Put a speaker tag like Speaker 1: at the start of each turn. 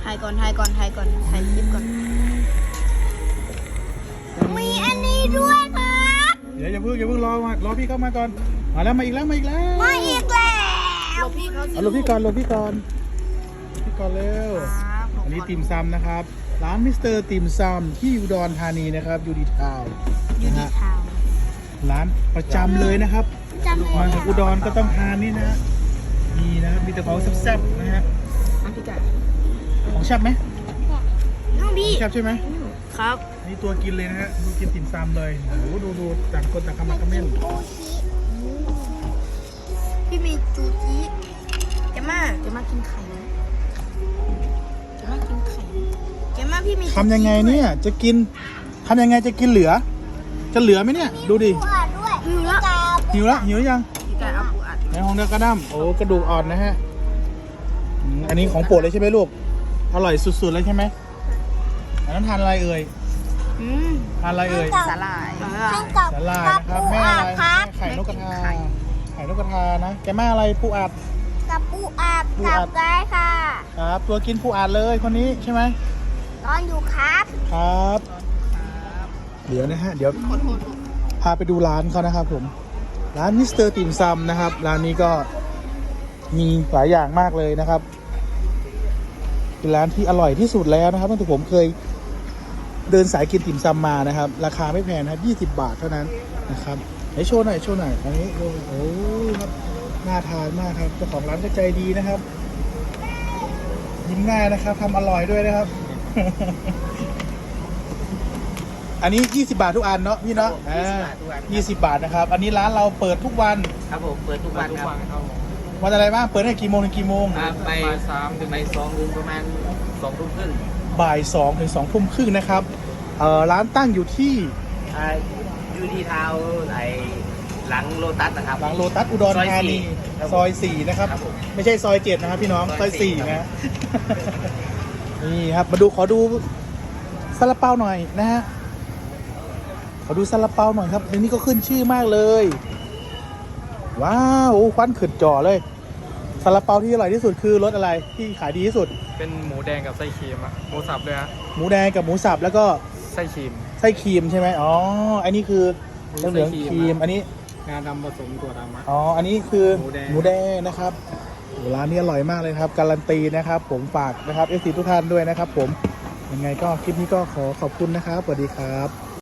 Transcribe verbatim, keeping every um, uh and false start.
Speaker 1: ถ่ายก่อนถ่ายก่อนถ่ายก่อนถ่ายคลิปก่อนมีอันนี้ด้วยครับ
Speaker 2: เดี๋ยวอย่าเพิ่งอย่าเพิ่งรอมารอพี่เข้ามาก่อนมาแล้วมาอีกแล้วมาอีกแล้ว
Speaker 1: มาอีกแล้วพี่เขา
Speaker 2: เอาลงพี่ก่อนลงพี่ก่อนพี่ก่อนเร็วอันนี้ติ่มซำนะครับร้านมิสเตอร์ติ่มซำที่อุดรธานีนะครับยูดีทาวน์
Speaker 1: ยู
Speaker 2: นะ
Speaker 1: นิ
Speaker 2: ฮะ
Speaker 1: ทาว
Speaker 2: ร้านประจำเลยนะครับ
Speaker 1: จำได้
Speaker 2: มาจากอุดรก็ต้องทานนี่นะนี่นะครับมีแต่ของแซ่บๆนะฮะ
Speaker 1: น้ำพริกไก่
Speaker 2: ของแซ่บไหม
Speaker 1: น้องพี่
Speaker 2: แซ่บใช่ไหม
Speaker 1: ครับ
Speaker 2: นี่ตัวกินเลยนะฮะดูกินติ่มซำเลยโอ้โหดูดูต่างคนต่างคำมาคอมเมนต์
Speaker 1: พี่มีจูจิเจม่าเจม่ากินไข่นะเจม่ากินไข่เจม่าพี่มี
Speaker 2: ทำยังไงเนี่ยจะกินทำยังไงจะกินเหลือ จะเหลือไหมเนี่ยดูดิ
Speaker 1: หิวแล้ว
Speaker 2: หิวละหิวหรือยัง
Speaker 1: พี่ไก่เอาปูอัด
Speaker 2: ในห้องเด็กกระด้ำโอ้กระดูกอ่อนนะฮะอืมอันนี้ของโปรดเลยใช่ไหมลูกอร่อยสุดๆเลยใช่ไหมอันนั้นทานอะไรเอ่ย
Speaker 1: อืม
Speaker 2: ทานอะไรเอ่ย
Speaker 1: สาหร่าย
Speaker 2: สาหร่ายนะครับแม่อะไรแม่ไข่นกกระทาไข่นกกระทานะแกแม่อะไรปูอัด
Speaker 3: กับปูอาบ
Speaker 2: ปู
Speaker 3: กั
Speaker 2: อั
Speaker 3: บ
Speaker 2: ด
Speaker 3: ได้ค่ะ
Speaker 2: ครับตัวกินปูอัดเลยคนนี้ใช่ไหม
Speaker 3: นอนอยู่ครับ
Speaker 2: ครับ เดี๋ยวนะฮะเดี๋ยวพาไปดูร้านเขานะครับผมร้านมิสเตอร์ติ่มซำนะครับร้านนี้ก็มีหลายอย่างมากเลยนะครับเป็นร้านที่อร่อยที่สุดแล้วนะครับตั้งแต่ผมเคยเดินสายกินติ่มซำมานะครับราคาไม่แพงนะครับยี่สิบบาทเท่านั้นนะครับไหนโชว์หน่อยโชว์หน่อยอันนี้โอ้โหครับน่าทานมากครับเจ้าของร้านก็ใจดีนะครับยิ้มง่ายนะครับทำอร่อยด้วยนะครับ อันนี้ยี่สิบบาททุกอันเนาะพี่เนาะอ่ายี่สิบบาทนะครับอันนี้ร้านเราเปิดทุกวัน
Speaker 4: ครับผมเปิดทุกวันครับ
Speaker 2: วันอะไรบ้างเปิดตั้งแต่กี่โมงถึงกี่โมง
Speaker 4: อ่าไปสามถึงไปสองถึงประมาณสองทุ่มครึ่ง
Speaker 2: บ่ายสองถึงสองทุ่มครึ่งนะครับเอ่อร้านตั้งอยู่ที่
Speaker 4: อ่ายูดีทาวน์ไอหลังโลตัสนะครับ
Speaker 2: หลังโลตัสอุดรธานีซอยสี่นะครับ
Speaker 4: ครับผม
Speaker 2: ไม่ใช่ซอยเจ็ดนะครับพี่น้องซ
Speaker 4: ซ
Speaker 2: อ
Speaker 4: อย ยสี่
Speaker 2: สี่
Speaker 4: ครับ
Speaker 2: นะฮะ นี่ครับมาดูขอดูซาลาเปาหน่อยนะฮะขอดูซาลาเปาหน่อยครับอันนี้ก็ขึ้นชื่อมากเลยว้าวโอ้ควันขึ้นจ่อเลยซาลาเปาที่อร่อยที่สุดคือรสอะไรที่ขายดีที่สุด
Speaker 5: เป็นหมูแดงกับไส้ครีมอะหมูสับเลยฮะ
Speaker 2: หมูแดงกับหมูสับแล้วก็
Speaker 5: ไส้ครีม
Speaker 2: ไส้ครีมใช่ไหมอ๋ออันนี้คือเหลือง
Speaker 5: ไส้
Speaker 2: ๆ
Speaker 5: ค
Speaker 2: ค
Speaker 5: รี
Speaker 2: รี
Speaker 5: ม
Speaker 2: มอันนี้
Speaker 5: งาดำผสมถั่วดำอะ
Speaker 2: อ๋อ อันนี้คือ
Speaker 5: หมูแดง
Speaker 2: หมูแดงนะครับโอ้ร้านนี้อร่อยมากเลยครับ การันตีนะครับ ผมฝากนะครับเอฟซีทุกท่านด้วยนะครับผม ยังไงก็คลิปนี้ก็ขอขอบคุณนะครับ สวัสดีครับ